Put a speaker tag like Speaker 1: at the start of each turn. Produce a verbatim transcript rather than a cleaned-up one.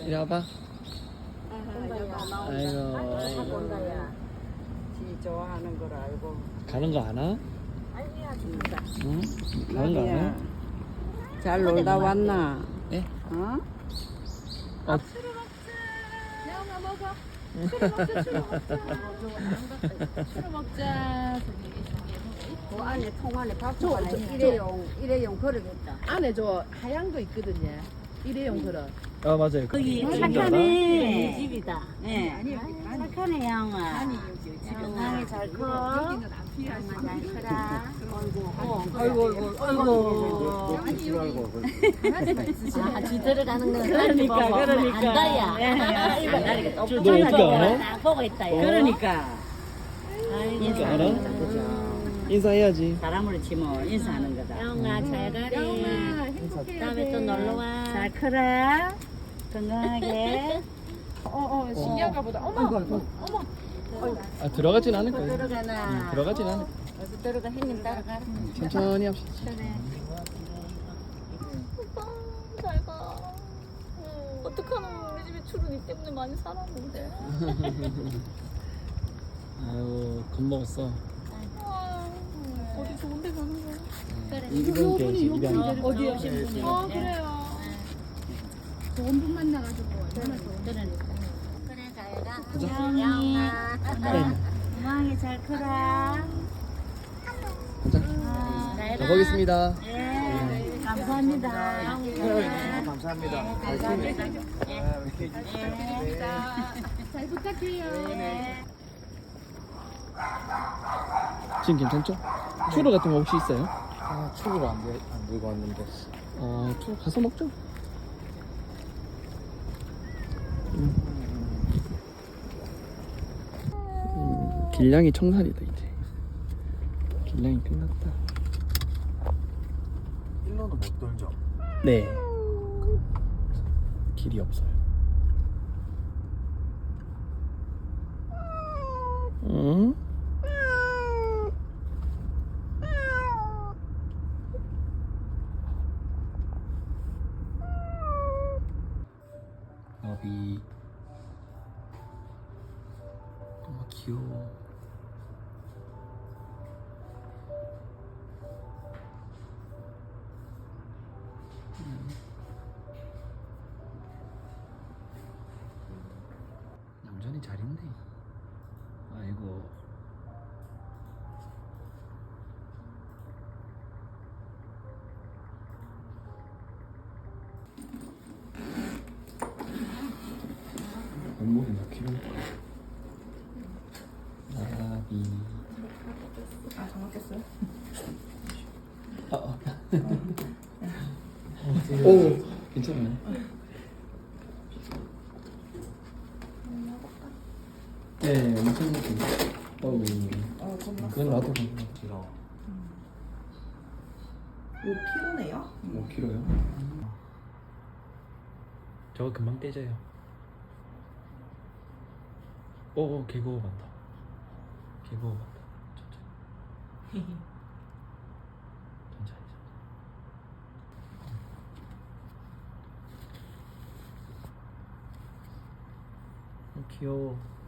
Speaker 1: 이리 와봐.
Speaker 2: 나온다.
Speaker 1: 아이고.
Speaker 2: 본다야. 지 좋아하는 걸 알고.
Speaker 1: 가는 거 아나?
Speaker 2: 아이야 진짜.
Speaker 1: 응? 가는 거 아나?
Speaker 2: 나비야. 잘 놀다 왔나?
Speaker 1: 예?
Speaker 2: 어?
Speaker 1: 어.
Speaker 3: 야마 먹어. 추루 먹자, 추루 먹자. 추루 먹자.
Speaker 2: 그 안에 통 안에 밥도 안에 일회용 일회용 그릇겠다.
Speaker 3: 안에 저 하얀 거 있거든요. 일회용 그릇.
Speaker 1: 아 맞아요.
Speaker 4: 거기
Speaker 1: 그
Speaker 4: 착하네.
Speaker 2: 이 집이다.
Speaker 4: 네. 착하네 양아. 건강히 잘 커. 양아 잘 커라. 아이고 아이고 아이고.
Speaker 3: 강아지가 있으시네.
Speaker 4: 아, 지 들어가는 거
Speaker 2: 그러니까, 그러니까.
Speaker 4: 안다야. 이거 나리가
Speaker 1: 너 어떻게 알아?
Speaker 4: 딱 보고 있다.
Speaker 2: 그러니까.
Speaker 1: 어떻게 알아? 인사해야지.
Speaker 2: 사람으로 치면 인사하는 거다.
Speaker 4: 양아 잘 가리.
Speaker 3: 영아 행복해.
Speaker 4: 다음에 또 놀러 와.
Speaker 2: 잘 커라. 건강하게.
Speaker 3: 어어 신기한가 보다. 어머 어머.
Speaker 1: 아 들어가진 않을 거예요.
Speaker 4: 들어가나.
Speaker 1: 응, 들어가진 않을.
Speaker 4: 어디 들어가 형님 따라가.
Speaker 1: 천천히 합시다.
Speaker 4: 그래.
Speaker 5: 오빠 잘 가. 어, 어떡하노 우리 집에 추루 니 때문에 많이 살았는데.
Speaker 1: 아유 겁먹었어.
Speaker 5: 아, 어디 좋은 데 가는 거야?
Speaker 4: 그래.
Speaker 1: 이번 게 이제 입양.
Speaker 3: 어디요?
Speaker 5: 아 그래요.
Speaker 3: 좋은 분 만나가지고 얼마나 좋은.
Speaker 4: 그러니까. 그래 잘 가.
Speaker 1: 가자.
Speaker 4: 양아.
Speaker 1: 네.
Speaker 4: 건강히 잘 커라.
Speaker 1: 가자.
Speaker 4: 잘 가.
Speaker 1: 가보겠습니다.
Speaker 4: 예. 감사합니다.
Speaker 1: 감사합니다.
Speaker 4: 감사합니다.
Speaker 3: 잘 부탁해요.
Speaker 1: 지금 괜찮죠? 추루 같은 거 혹시 있어요?
Speaker 6: 아, 추구를 안, 들, 안 들고 왔는데.
Speaker 1: 어, 추루 가서 먹죠. 음. 음, 길냥이 청산이다 이제. 길냥이 끝났다.
Speaker 6: 일로는 못 돌죠.
Speaker 1: 네. 길이 없어요. 응? 너비 너무 귀여워. 음. 얌전히 잘 있네. 아이고. 몸무게 몇 킬로일까? 나비.
Speaker 3: 아 정확했어요?
Speaker 1: 아, 아. 오, 괜찮아요. 네, 엄청 높은. 어우,
Speaker 3: 어 겁나.
Speaker 1: 그건 나도
Speaker 6: 길어.
Speaker 3: 요 피로네요.
Speaker 1: 오 킬로요. 저거 금방 떼져요. 오, 개고어 간다. 개고어 간다. 천천히. 천천히. 어, 귀여워.